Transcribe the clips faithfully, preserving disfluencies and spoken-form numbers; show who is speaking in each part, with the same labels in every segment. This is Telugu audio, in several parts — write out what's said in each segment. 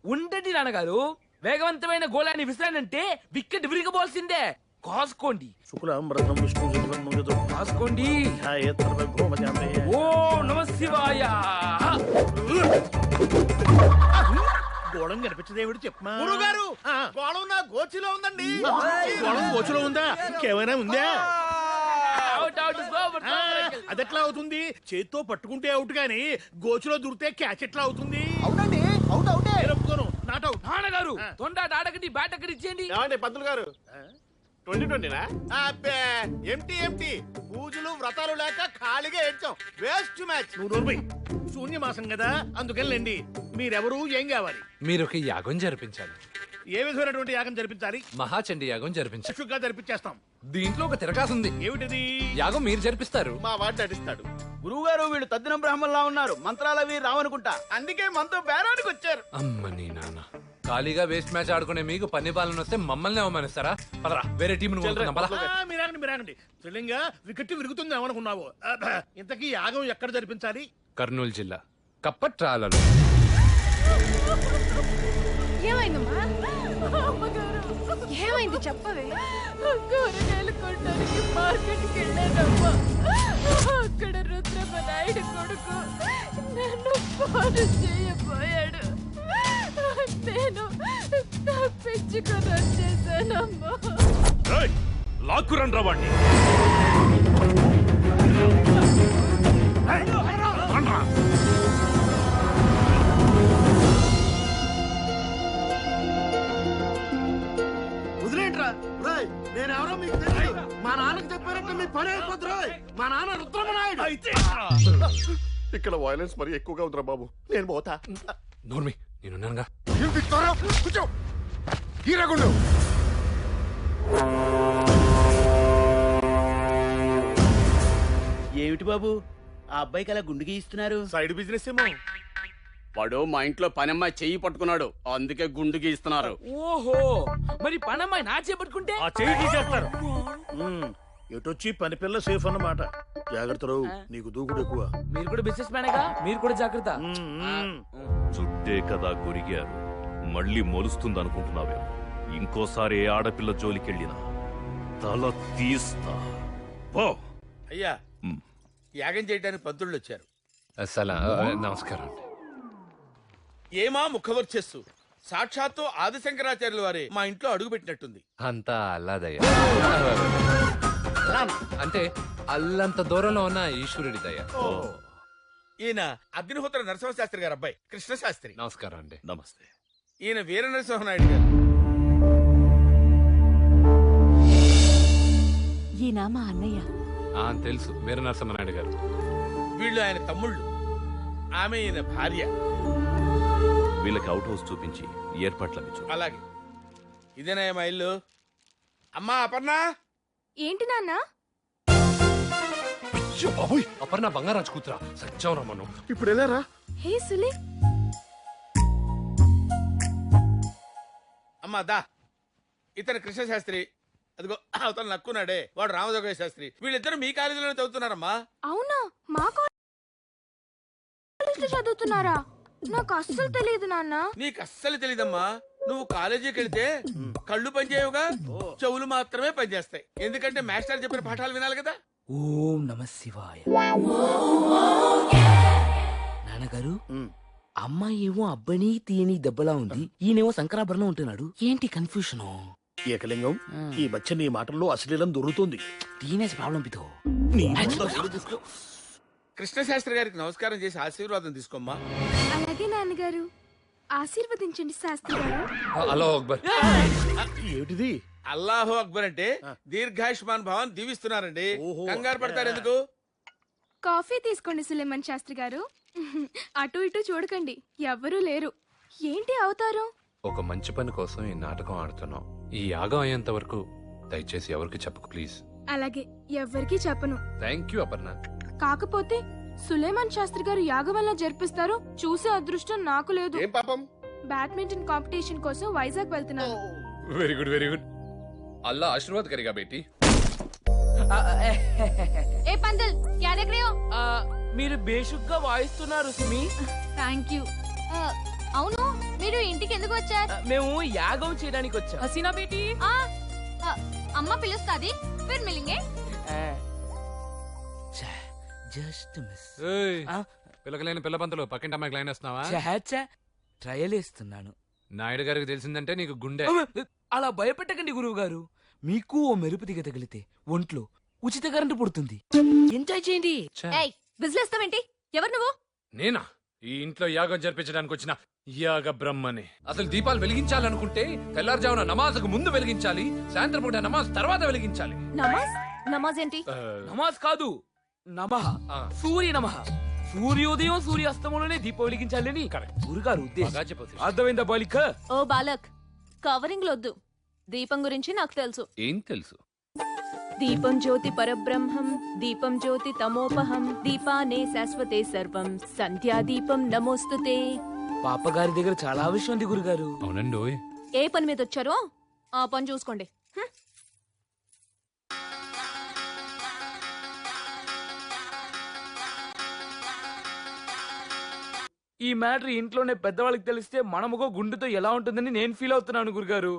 Speaker 1: ఉండండి నాన్నగారు, వేగవంతమైన గోళాన్ని విసిరానంటే వికెట్ విరిగబోల్సిందే. కాసుకోండి.
Speaker 2: శుక్లాంబరధరం విష్ణు శశివర్ణం
Speaker 1: కాసుకోండి.
Speaker 2: ఛాయేత్సర్వభౌమజాతే.
Speaker 1: ఓ నమ శివాయ.
Speaker 2: గోళం కనిపించదేవిడు చెప్పమా.
Speaker 3: గురుగారు గోళం నా గోచిలో ఉందండి.
Speaker 2: గోళం గోచులో ఉందా? ఇంకేమైనా ఉందా?
Speaker 1: అవుట్ అవుట్ సూపర్
Speaker 2: ఆ,
Speaker 1: సూపర్.
Speaker 2: అదెట్లా అవుతుంది? చేత్తో పట్టుకుంటే అవుట్ గాని గోచులో దూరితే క్యాచ్ ఎట్లా అవుతుంది?
Speaker 3: అవునండి అవుట్ అవుటే.
Speaker 2: నేను ఒప్పుకోను. Not out.
Speaker 1: నాన్నగారు తొండాట ఆడకండి, బ్యాట్ అక్కడ ఇచ్చేయండి.
Speaker 3: ఏమండి పంతులు గారు ట్వంటీ ట్వంటీనా? అబ్బే ఎంటీ ఎంటీ. పూజలు వ్రతాలు లేక ఖాళీగా ఏడ్చాం. Waste match.
Speaker 2: నువ్వు నోర్మై. శూన్యమాసం కదా, అందుకెళ్ళండి. మీరెవరు, ఏం కావాలి?
Speaker 4: మీరు ఒక యాగం జరిపించాలి.
Speaker 2: ఏ విధమైనటువంటి యాగం జరిపించాలి?
Speaker 4: మహాచండి యాగం జరిపించాలి.
Speaker 2: చక్షుగా జరిపించేస్తాం.
Speaker 4: దీంట్లో ఒక తిరగాసు ఉంది.
Speaker 2: ఏమిటిది?
Speaker 4: యాగం మీరు జరిపిస్తారు.
Speaker 3: మా వాడు నటిస్తాడు.
Speaker 5: గురువుగారు వీళ్ళు తద్దిన బ్రాహ్మణులా ఉన్నారు, మంత్రాలవి రావనుకుంటా.
Speaker 3: అందుకే మనతో బేరానికి వచ్చారు.
Speaker 4: అమ్మ నీ నాన్న, ఖాళీగా వేస్ట్ మ్యాచ్ ఆడుకునే మీకు పన్ని బాలను వస్తే మమ్మల్ని అవమానిస్తారా? పదరా వేరే టీం
Speaker 2: ఆ, మీరాగండి మీరాగండి. త్రిలింగా వికెట్ విరుగుతుంది ఏమనుకున్నావు? అబ్బా, ఇంతకీ యాగం ఎక్కడ జరిపించాలి?
Speaker 4: కర్నూలు జిల్లా కప్పట్రాలలో.
Speaker 6: ఏమైందమ్మా? ఏమైంది చెప్పవే? కూరగాయలు కొనడానికి మార్కెట్కి వెళ్ళానమ్మా. అక్కడ రుద్రమ్మ నాయుడు కొడుకు నన్ను ఫోన్ చేయబోయాడు. నేను తప్పించుకొని వచ్చేసానమ్మా.
Speaker 4: లాక్కురన్ రావండి.
Speaker 3: వదిలేంట్రా. రాయ్ నేనెవరో మీకు తెలియదు. మా నాన్నకి చెప్పారంటే మీ పని అయిపోద్దు. రాయ్ మా నాన్న రుద్రమనాయుడు. ఇక్కడ వైలెన్స్ మరి ఎక్కువగా ఉందిరా బాబు. నేను పోతా.
Speaker 4: నోర్మి, నేనున్నానుగా.
Speaker 3: కూర్చో. హీరాగుండు.
Speaker 5: ఏమిటి బాబు ఆ అబ్బాయికి అలా గుండు గీయిస్తున్నారు?
Speaker 3: సైడ్ బిజినెస్ ఏమో.
Speaker 5: వాడు మా ఇంట్లో పనమ్మాయి చెయ్యి పట్టుకున్నాడు, అందుకే గుండు గీస్తున్నారు.
Speaker 1: ఓహో, మరి పనమ్మాయి నా చేపట్టుకుంటే
Speaker 2: ఆ చెయ్యి తీసేస్తారు. ఉమ్, ఎటొచ్చి పని పిల్ల సేఫ్ అన్నమాట. జాగ్రత్తలు, నీకు దూకుడు ఎక్కువ.
Speaker 1: మీరు కూడా బిజినెస్ మ్యానేగా, మీరు కూడా జాగ్రత్త.
Speaker 2: ఉమ్, ఉమ్.
Speaker 7: చుట్టే కదా గొరిగారు, మళ్ళీ మొలుస్తుందనుకుంటున్నావేమో. ఇంకోసారి ఏ ఆడపిల్ల జోలికెళ్ళినా తల తీస్తా. పో.
Speaker 3: అయ్యా యాగం చేయడానికి పంతుళ్ళు వచ్చారు.
Speaker 4: సలా నమస్కారం.
Speaker 3: ఏమా ముఖవర్చస్సు. సాక్షాత్తు ఆదిశంకరాచార్యుల వారే మా ఇంట్లో అడుగు పెట్టినట్టుంది.
Speaker 4: అంతా అల్లాదయ్య. అంటే అల్లంత దూరంలో ఉన్న ఈశ్వరుడి దయ.
Speaker 3: ఈయన అగ్నిహోత్ర నరసింహశాస్త్రి గారు అబ్బాయి కృష్ణశాస్త్రి.
Speaker 4: నమస్కారం అండి.
Speaker 7: నమస్తే.
Speaker 3: ఈయన వీర నరసింహనాయుడు గారు.
Speaker 6: ఈయన మా అన్నయ్య.
Speaker 4: ఆ తెలుసు, వీర నరసింహనాయుడు గారు.
Speaker 3: వీళ్ళు ఆయన తమ్ముళ్ళు, ఆమె ఈయన భార్య.
Speaker 7: వీళ్ళకి అవుట్ హౌస్ చూపించి ఏర్పాట్లవి చూ.
Speaker 3: అలాగే. ఇదేనా మా ఇల్లు? అమ్మా అపర్ణ.
Speaker 6: ఏంటి నాన్న?
Speaker 4: అపర్ణ బంగారాజు కూతురా, సత్యం రమ్మను.
Speaker 3: ఇప్పుడు వెళ్ళారా?
Speaker 6: హే సులే.
Speaker 3: అమ్మా దా. ఇతను కృష్ణశాస్త్రి. అదిగో అవతల నక్కున్నాడే వాడు రామజోగ శాస్త్రి. వీళ్ళిద్దరు మీ కాలేజీలోనే చదువుతున్నారమ్మా.
Speaker 6: అవునా? మా కాలేజీలో చదువుతున్నారా? నాకు అస్సలు తెలియదు నాన్న.
Speaker 3: నీకు అస్సలు తెలీదమ్మా. నువ్వు కాలేజీకి వెళ్తే కళ్ళు పనిచేయవుగా, చెవులు మాత్రమే పనిచేస్తాయి. ఎందుకంటే మాస్టర్ చెప్పిన పాఠాలు వినాలి కదా.
Speaker 1: ఓం నమ శివాయ. నాన్నగారు, అమ్మాయి ఏమో అబ్బాయిని తీయని దెబ్బలా ఉంది, ఈయనేమో శంకరాభరణం ఉంటున్నాడు. ఏంటి కన్ఫ్యూషన్?
Speaker 2: ఏకలింగం, ఈ మధ్య నీ మాటల్లో అశ్లీలం దొరుకుతుంది.
Speaker 1: Teenage problem పితో.
Speaker 3: కృష్ణశాస్త్రి గారికి నమస్కారం చేసి ఆశీర్వాదం తీసుకోమ్మా.
Speaker 6: అలాగే నాన్నగారు. ఆశీర్వదించండి శాస్త్రి గారు.
Speaker 4: హలో అక్బర్.
Speaker 2: ఏమిటిది?
Speaker 3: అల్లాహో అక్బర్ అంటే దీర్ఘాయుష్మాన్ భవన్ దీవిస్తున్నారండి. కంగారు పడతారు ఎందుకు?
Speaker 6: కాఫీ తీసుకోండి సులేమన్ శాస్త్రి గారు. అటు ఇటు చూడకండి, ఎవ్వరూ లేరు. ఏంటి అవతారం?
Speaker 4: ఒక మంచి పని కోసం ఈ నాటకం ఆడుతున్నాం. ఈ యాగం అయ్యేంత వరకు దయచేసి ఎవరికి చెప్పకు ప్లీజ్.
Speaker 6: అలాగే, ఎవ్వరికీ చెప్పను.
Speaker 4: Thank you Aparna.
Speaker 6: కాకపోతే సులేమాన్ శాస్త్రి గారు యాగం వల్ల జరిపిస్తారు చూసే అదృష్టం నాకు లేదు.
Speaker 3: ఏం పాపం?
Speaker 6: బ్యాడ్మింటన్ కాంపిటీషన్ కోసం వైజాగ్ వెళ్తున్నాను.
Speaker 4: Very good very good. Allah ఆశీర్వాద్ కరిగా బేటీ.
Speaker 6: ఏ పందల్ క్యా దేఖ్ రహే హో?
Speaker 1: మీరు బేషుగ్గా వాయిస్తున్నారు సుమి.
Speaker 6: Thank you. అవును,
Speaker 8: మీరు ఇంటికి ఎందుకు వచ్చారు?
Speaker 1: మేము యాగం చేయడానికి వచ్చాం.
Speaker 8: హసీనా బేటీ అమ్మ పిలుస్తాది. ఫిర్ మిలింగే.
Speaker 1: Just miss.
Speaker 4: పిల్లకలేని పిల్ల పంతులు పక్కింటి అమ్మాయికి లైన్ వేస్తున్నావా?
Speaker 1: ట్రయల్ వేస్తున్నాను.
Speaker 4: నాయుడు గారికి తెలిసిందంటే నీకు గుండె.
Speaker 1: అలా భయపెట్టకండి గురువు గారు. మీకు ఓ మెరుపు దిగ తగిలితే ఒంట్లో ఉచిత కరెంటు పుడుతుంది. ఎంజాయ్ చేయండి.
Speaker 8: ఏయ్ విజిలేస్తావేంటి? ఎవరు నువ్వు?
Speaker 4: నేనా ఈ ఇంట్లో యాగం జరిపించడానికి వచ్చిన యాగ బ్రహ్మని. అసలు దీపాలు వెలిగించాలనుకుంటే తెల్లారుజామున నమాజ్కు ముందు వెలిగించాలి, సాయంత్రం పూట నమాజ్ తర్వాత వెలిగించాలి.
Speaker 8: నమాజ్? నమాజ్ ఏంటి?
Speaker 4: ఆ,
Speaker 1: నమాజ్ కాదు, నమః.
Speaker 4: ఆ.
Speaker 1: సూర్య నమః. సూర్యోదయం సూర్యాస్తమంలోనే దీపం వెలిగించాలని గురుగారు ఉద్దేశం.
Speaker 4: బాగా చెప్పొచ్చు.
Speaker 1: అర్థమైందా బాలిక?
Speaker 8: ఓ బాలక్, కవరింగ్ లొద్దు. దీపం గురించి నాకు తెలుసు.
Speaker 4: ఏం తెలుసు?
Speaker 8: దీపం జ్యోతి పరబ్రహ్మం, దీపం జ్యోతి తమోపహం, దీపానే శాశ్వతే సర్వం, సంధ్యా దీపం నమోస్తుతే.
Speaker 1: పాపగారి దగ్గర చాలా విషయం ఉంది గురుగారు.
Speaker 4: అవునండి. ఓయ్.
Speaker 8: ఏ పని మీద వచ్చారో ఆ పని చూసుకోండి. హ్మ్.
Speaker 1: ఈ మ్యాటర్ ఇంట్లోనే పెద్దవాళ్ళకి తెలిస్తే మనముగో గుండెతో ఎలా ఉంటుందని నేను ఫీల్ అవుతున్నాను గురుగారు.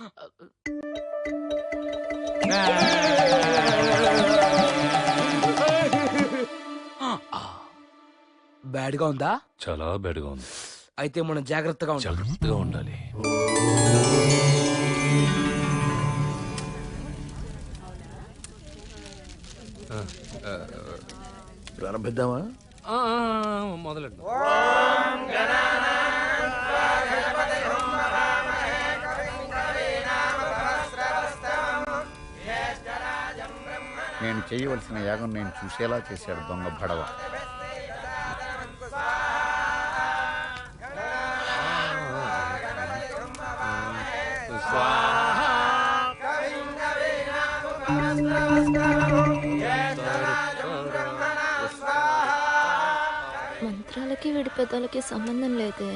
Speaker 1: బ్యాడ్ గా ఉందా?
Speaker 7: చాలా బెడ్గా ఉంది.
Speaker 1: అయితే మనం జాగ్రత్తగా ఉండాలి.
Speaker 7: జాగ్రత్తగా ఉండాలి.
Speaker 2: ప్రారంభిద్దామా?
Speaker 4: ఆ, ఆ, ఆ, మొదలెట్టు.
Speaker 9: నేను చేయవలసిన యాగం నేను చూసేలా చేశాడు దొంగ భడవ.
Speaker 8: మంత్రాలకి వీడి పెద్దలకి సంబంధం లేదే.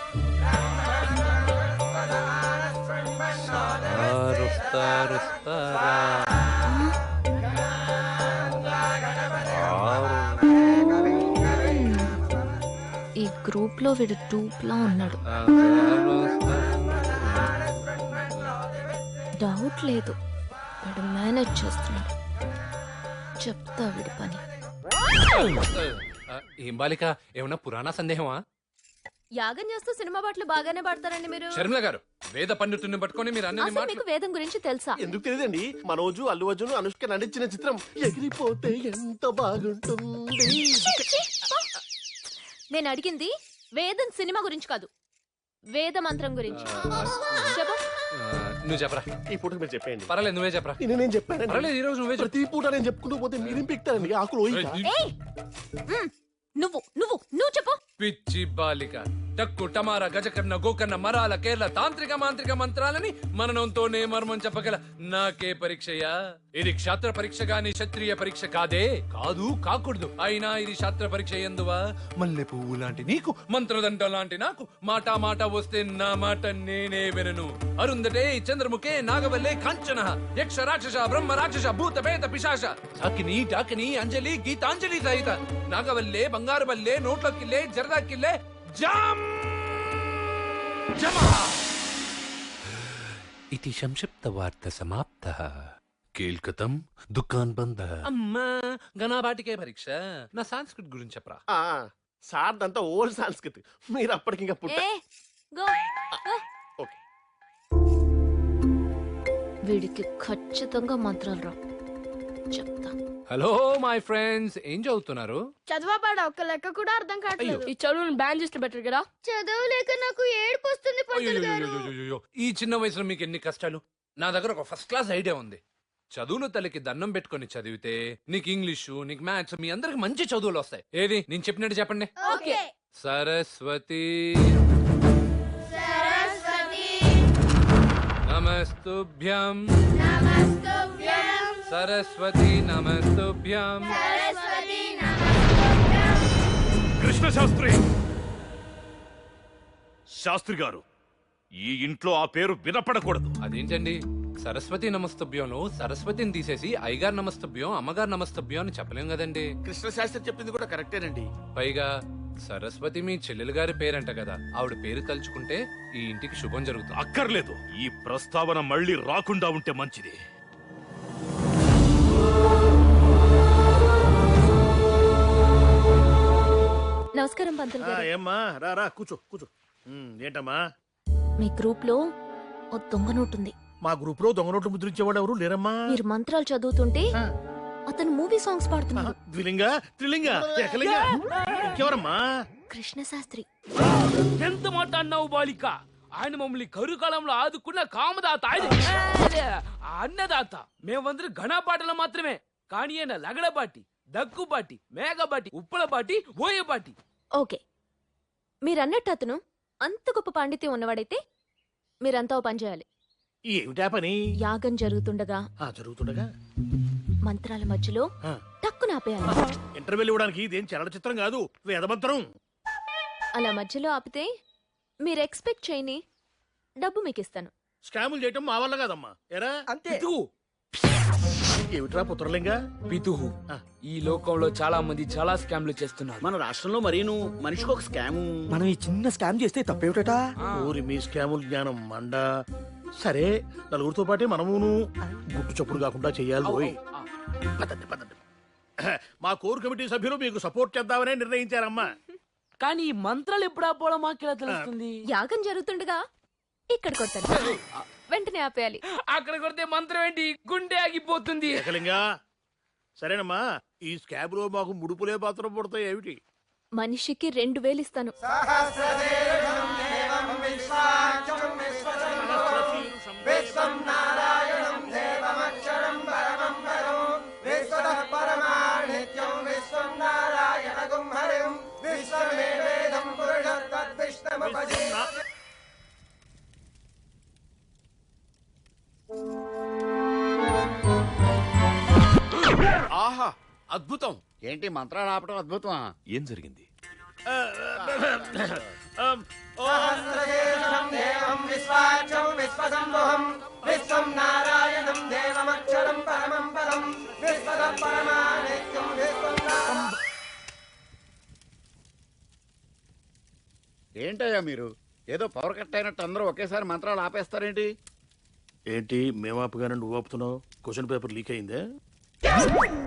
Speaker 8: ఈ గ్రూప్ లో వీడు టూప్ లా ఉన్నాడు. డౌట్ లేదు, వీడు మేనేజ్ చేస్తున్నాడు. చెప్తా వీడి పని.
Speaker 4: ఏం బాలిక, ఏమన్నా పురాణ సందేహమా?
Speaker 8: యాగం చేస్తూ సినిమా పాటలు బాగానే పాడతారండి మీరు.
Speaker 4: శర్మిల గారు, వేద పండితుడిని పట్టుకొని మీరు అన్ని
Speaker 8: అసలు మీకు వేదం గురించి తెలుసా?
Speaker 3: ఎందుకు తెలియదండి? మనోజు అల్లు అర్జున్ అనుష్క నటించిన చిత్రం ఎగిరిపోతే ఎంత బాగుంటుంది.
Speaker 8: నేను అడిగింది వేదం సినిమా గురించి కాదు, వేద మంత్రం గురించి. చెప్పు.
Speaker 4: నువ్వు చెప్పరా.
Speaker 3: ఈ పూట మీరు చెప్పండి.
Speaker 4: పర్లేదు, నువ్వే చెప్పరా.
Speaker 3: నేను నేను చెప్పాను.
Speaker 4: పర్లేదు, ఈ రోజు నువ్వే చెప్పు.
Speaker 3: ప్రతి పూట నేను చెప్పుకుంటూ పోతే మీరేం పిక్తారండి? ఆకులు ఓయిక.
Speaker 8: ఏయ్! మ్, నువ్వు నువ్వు నువ్వు చెప్పు.
Speaker 4: పిచ్చి బాలిక, టక్కు టమార గజకర్ణ గోకర్ణ మరాల కేరళ తాంత్రిక మాంత్రిక మంత్రాలని మననంతోనే మర్మం చెప్పగల నాకే పరీక్షయా? ఇది క్షాత్ర పరీక్ష గాని క్షత్రియ పరీక్ష కాదే. కాదు, కాకూడదు. అయినా ఇది శాస్త్ర పరీక్ష ఎందువా? మల్లె పువ్వు లాంటి నీకు, మంత్రదండ లాంటి నాకు, మాట మాట వస్తే నా మాట నేనే వినను. అరుందటే చంద్రముఖే నాగవల్లే కాంచన యక్ష రాక్షస బ్రహ్మ రాక్షస భూత పేత పిశాచ అకిని డాకిని అంజలి గీతాంజలి సహిత నాగవల్లే బంగారు వల్లే నోట్ల కిల్లే జరదా కిల్లే జామ్ జమః. ఇతి సంక్షిప్త వార్త సమాప్తః. కేల్కతం దుకాన్ బంద. అమ్మా, గణాబాటికే పరీక్ష. నా సంస్కృత్ గురించి చెప్పరా.
Speaker 3: ఆ, సార్ అంతా ఓల్డ్ సంస్కృతి, మీరు అప్పటికి ఇంకా పుట్ట.
Speaker 8: ఏ, గో, గో.
Speaker 3: ఓకే.
Speaker 8: వీడికి ఖచ్చితంగా మంత్రాలు రా, చెప్తా.
Speaker 4: హలో మై ఫ్రెండ్స్, ఏం చదువుతున్నారు?
Speaker 6: చదవబాడ ఒక్క లెక్క కూడా అర్థం కావట్లేదు.
Speaker 8: ఈ చదువుని బ్యాన్ చేస్తే బెటర్ కదా.
Speaker 6: చదవలేక నాకు ఏడుపు వస్తుంది.
Speaker 4: అయ్యయ్యయ్యయ్యయ్యో, ఈ చిన్న వయసులో మీకు ఎన్ని కష్టాలు. నా దగ్గర ఒక ఫస్ట్ క్లాస్ ఐడియా ఉంది. చదువును తల్లికి దండం పెట్టుకొని చదివితే నీకు ఇంగ్లీషు, నీకు మ్యాథ్స్, మీ అందరికి మంచి చదువులు వస్తాయి. ఏది నేను చెప్పినట్టు చెప్పండి.
Speaker 6: ఓకే.
Speaker 4: సరస్వతి నమస్తుభ్యం. సరస్వతి నమస్తుభ్యం.
Speaker 7: కృష్ణ శాస్త్రి శాస్త్రి గారు, ఈ ఇంట్లో ఆ పేరు వినపడకూడదు.
Speaker 4: అదేంటండి, సరస్వతి నమస్తభ్యంలో సరస్వతిని తీసేసి అయ్యగారు నమస్తభ్యం, అమ్మగారు నమస్తభ్యం అని చెప్పలేం కదండి.
Speaker 3: కృష్ణ శాస్త్రి చెప్పింది కూడా కరెక్టేనండి.
Speaker 4: పైగా సరస్వతి మీ చెల్లెలు గారి పేరంట కదా, ఆవిడ పేరు తలుచుకుంటే ఈ ఇంటికి శుభం జరుగుతుంది.
Speaker 7: అక్కర్లేదు, ఈ ప్రస్తావన మళ్ళీ రాకుండా ఉంటే మంచిది.
Speaker 8: నమస్కారం పంతులు
Speaker 2: ఆ,
Speaker 8: గారు.
Speaker 2: ఏమ్మా రా రా కూర్చో కూర్చో. ఉమ్, ఏంటమ్మా
Speaker 8: మీ గ్రూప్ లో ఓ దొంగ నోటుంది.
Speaker 2: మా గ్రూప్ లో దొంగ నోట్లు ముద్రించేవాడు ఎవరు లేరమ్మా?
Speaker 8: మీరు మంత్రాలు చదువుతుంటే అతను మూవీ సాంగ్స్ పాడుతున్నాడు.
Speaker 2: ద్విలింగ త్రిలింగ ఏకలింగ ఇంకెవరమ్మా?
Speaker 8: కృష్ణ శాస్త్రి.
Speaker 1: ఎంత మాట అన్నావు బాలిక? ఆయన మమ్మల్ని కరుకాలంలో ఆదుకున్న కామదాత ఆయన. అదే, అన్నదాత. మేమందరం ఘనపాటలు మాత్రమే, కానీ ఆయన లగడబాటి, దగ్గుబాటి, మేఘబాటి, ఉప్పలబాటి, ఓయబాటి.
Speaker 8: ఓకే, మీరన్నట్టు అతను అంత గొప్ప పాండిత్యం ఉన్నవాడైతే మీరంతా ఓ పని చేయాలి.
Speaker 2: ఏమిటా పని?
Speaker 8: యాగం జరుగుతుండగా
Speaker 2: ఆ, జరుగుతుండగా
Speaker 8: మంత్రాల మధ్యలో
Speaker 2: ఆ.
Speaker 8: టక్కున ఆపేయాలి.
Speaker 2: ఇంటర్వెల్ ఇవ్వడానికి ఇదేం చలనచిత్రం కాదు, వేదమంత్రం.
Speaker 8: అలా మధ్యలో ఆపితే మీరు ఎక్స్పెక్ట్ చేయని డబ్బు మీకు ఇస్తాను.
Speaker 2: స్కాములు చేయటం మా వల్ల కాదమ్మా. ఎరా
Speaker 1: పితుహు,
Speaker 2: ఏమిట్రా పుత్రలింగ?
Speaker 1: పితుహు. ఈ లోకంలో చాలా మంది చాలా స్కామ్లు చేస్తున్నారు.
Speaker 5: మన రాష్ట్రంలో మరీను మనిషికి ఒక స్కాము.
Speaker 1: మనం ఈ చిన్న స్కామ్ చేస్తే తప్పేమిట?
Speaker 2: ఊరి మీ స్కాముల జ్ఞానం మండ. సరే, నలుగురితో పాటే మనమును గుట్టు చప్పుడు కాకుండా చెయ్యాలి. ఓయ్. పదండి పదండి. మా కోర్ కమిటీ సభ్యులు మీకు సపోర్ట్ చేద్దామనే నిర్ణయించారమ్మా.
Speaker 1: కానీ ఈ మంత్రాలు ఎప్పుడు ఆపోవడం మాకెలా తెలుస్తుంది?
Speaker 8: యాగం జరుగుతుండగా ఇక్కడ కొట్టాను, వెంటనే ఆపేయాలి.
Speaker 1: అక్కడ కొడితే మంత్రం ఏంటి, గుండె ఆగిపోతుంది.
Speaker 2: ఏకలింగా సరేనమ్మా, ఈ స్కాబ్ లో మాకు ముడుపులే పాత్ర పడతాయి. ఏమిటి?
Speaker 8: మనిషికి రెండు వేలు ఇస్తాను.
Speaker 5: ఆహా, అద్భుతం.
Speaker 9: ఏంటి మంత్రాలు ఆపడం అద్భుతమా?
Speaker 7: ఏం జరిగింది?
Speaker 2: ఆమ్, ఓ,
Speaker 9: ఏంటయ్యా మీరు ఏదో పవర్ కట్ అయినట్టు అందరూ ఒకేసారి మంత్రాలు ఆపేస్తారేంటి?
Speaker 2: ఏంటి మేము ఆపుగానే నువ్వు ఆపుతున్నావు? క్వశ్చన్ పేపర్ లీక్ అయిందే?